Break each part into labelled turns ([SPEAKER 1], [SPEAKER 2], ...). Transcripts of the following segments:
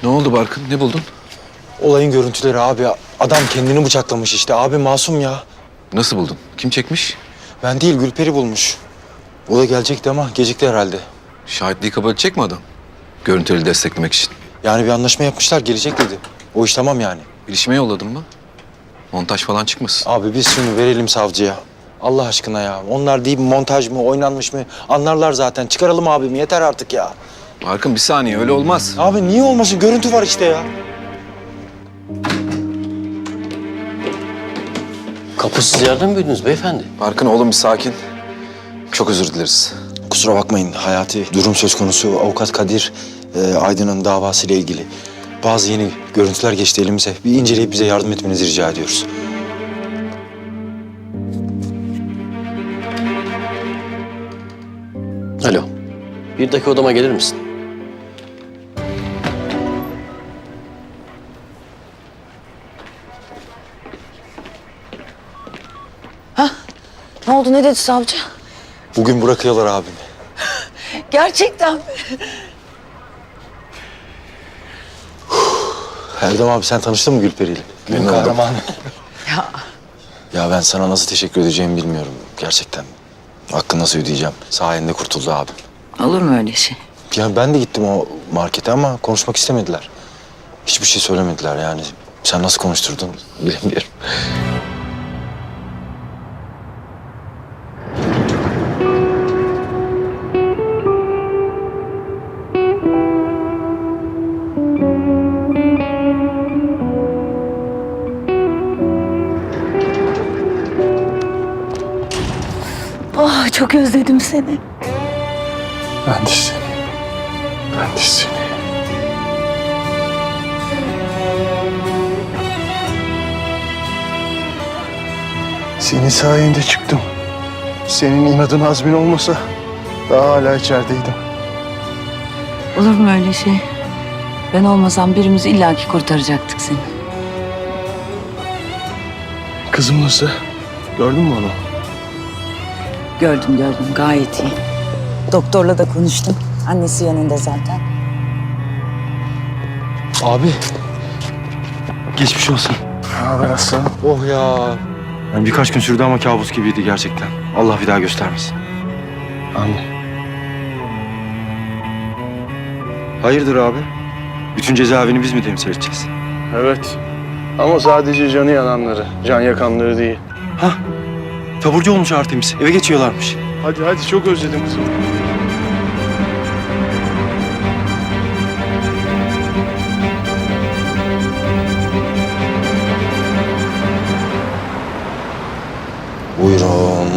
[SPEAKER 1] oldu Barkın? Ne buldun?
[SPEAKER 2] Olayın görüntüleri abi. Adam kendini bıçaklamış işte. Abi masum ya.
[SPEAKER 1] Nasıl buldun? Kim çekmiş?
[SPEAKER 2] Ben değil, Gülperi bulmuş. O da gelecekti ama gecikti herhalde.
[SPEAKER 1] Şahitliği kabul edecek mi adam? Görüntüleri desteklemek için.
[SPEAKER 2] Yani bir anlaşma yapmışlar, gelecek dedi. O iş tamam yani.
[SPEAKER 1] Bilişime yolladın mı? Montaj falan çıkmasın.
[SPEAKER 2] Abi biz şunu verelim savcıya. Allah aşkına ya. Onlar değil mi, montaj mı, oynanmış mı? Anlarlar zaten. Çıkaralım abimi, yeter artık ya.
[SPEAKER 1] Barkın bir saniye, öyle olmaz.
[SPEAKER 2] Abi niye olmasın? Görüntü var işte ya.
[SPEAKER 3] Kapısız yerden mi büyüdünüz beyefendi?
[SPEAKER 1] Barkın oğlum bir sakin. Çok özür dileriz.
[SPEAKER 2] Kusura bakmayın Hayati. Durum söz konusu avukat Kadir Aydın'ın davasıyla ilgili. Bazı yeni görüntüler geçti elimize. Bir inceleyip bize yardım etmenizi rica ediyoruz.
[SPEAKER 3] Alo. Bir dakika odama gelir misin?
[SPEAKER 4] Ne oldu, ne dedi savcı?
[SPEAKER 2] Bugün bırakıyorlar abimi.
[SPEAKER 4] Gerçekten mi?
[SPEAKER 2] Erdem abi sen tanıştın mı Gülperi'yle? Günün
[SPEAKER 1] oldum.
[SPEAKER 2] kahramanı.
[SPEAKER 4] Ya
[SPEAKER 2] Ya ben sana nasıl teşekkür edeceğimi bilmiyorum gerçekten. Hakkını nasıl ödeyeceğim? Sayende kurtuldu abim.
[SPEAKER 4] olur mu öyle şey?
[SPEAKER 2] Ya ben de gittim o markete ama konuşmak istemediler. Hiçbir şey söylemediler yani. Sen nasıl konuşturdun bilemiyorum.
[SPEAKER 4] Ah, çok özledim seni.
[SPEAKER 5] Ben de seni. Ben de seni. Senin sayende çıktım. Senin inadın azmin olmasa daha hala içerideydim.
[SPEAKER 4] Olur mu öyle şey? Ben olmasam birimiz illaki kurtaracaktık seni.
[SPEAKER 5] Kızım nasıl? Gördün mü onu?
[SPEAKER 4] Gördüm gayet iyi. Doktorla da konuştum. Annesi yanında zaten.
[SPEAKER 2] Abi. Geçmiş olsun.
[SPEAKER 5] Ne haber aslanım?
[SPEAKER 2] Oh ya. Yani birkaç gün sürdü ama kabus gibiydi gerçekten. Allah bir daha göstermesin.
[SPEAKER 5] Anne.
[SPEAKER 2] Hayırdır abi? Bütün cezaevini biz mi temsil edeceğiz?
[SPEAKER 5] Evet. Ama sadece canı yananları, can yakanları değil.
[SPEAKER 2] Hah. Taburcu olmuş Artemis. Eve geçiyorlarmış.
[SPEAKER 5] Hadi hadi çok özledim kızım.
[SPEAKER 2] Buyurun.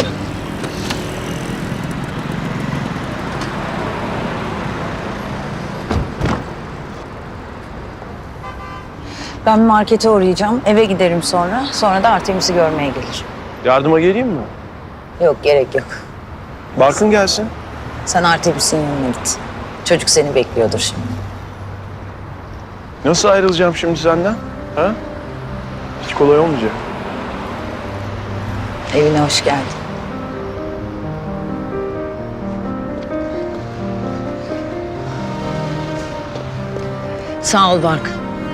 [SPEAKER 4] Ben markete uğrayacağım. Eve giderim sonra. Sonra da Artemis'i görmeye gelir.
[SPEAKER 5] Yardıma geleyim mi?
[SPEAKER 4] Yok, gerek yok.
[SPEAKER 5] Barkın gelsin.
[SPEAKER 4] Sen Artemis'in yanına git. Çocuk seni bekliyordur şimdi.
[SPEAKER 5] Nasıl ayrılacağım şimdi senden? Ha? Hiç kolay olmayacak.
[SPEAKER 4] Evine hoş geldin. Sağ ol Barkın.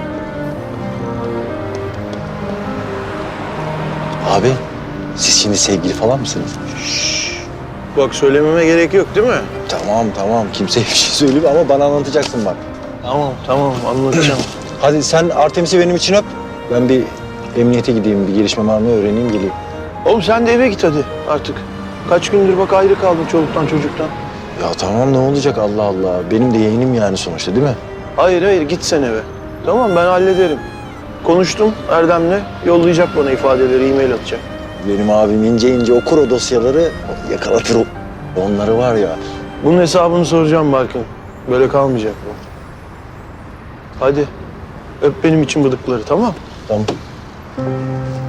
[SPEAKER 2] Abi siz şimdi sevgili falan mısınız?
[SPEAKER 5] Bak söylememe gerek yok değil mi?
[SPEAKER 2] Tamam kimseye bir şey söyleme ama bana anlatacaksın bak.
[SPEAKER 5] Tamam anlatacağım.
[SPEAKER 2] Hadi sen Artemis'i benim için öp. Ben bir emniyete gideyim, bir gelişme var mı öğreneyim geleyim.
[SPEAKER 5] Oğlum sen de eve git hadi artık. Kaç gündür bak ayrı kaldın çoluktan çocuktan.
[SPEAKER 2] Ya tamam ne olacak Allah Allah. Benim de yeğenim yani sonuçta değil mi?
[SPEAKER 5] Hayır git sen eve. Tamam ben hallederim. Konuştum Erdem'le. Yollayacak bana ifadeleri, e-mail atacak.
[SPEAKER 2] Benim abim ince okur o dosyaları, yakalatır onları var ya.
[SPEAKER 5] Bunun hesabını soracağım Barkın. Böyle kalmayacak bu. Hadi öp benim için bıdıkları tamam?
[SPEAKER 2] Tamam.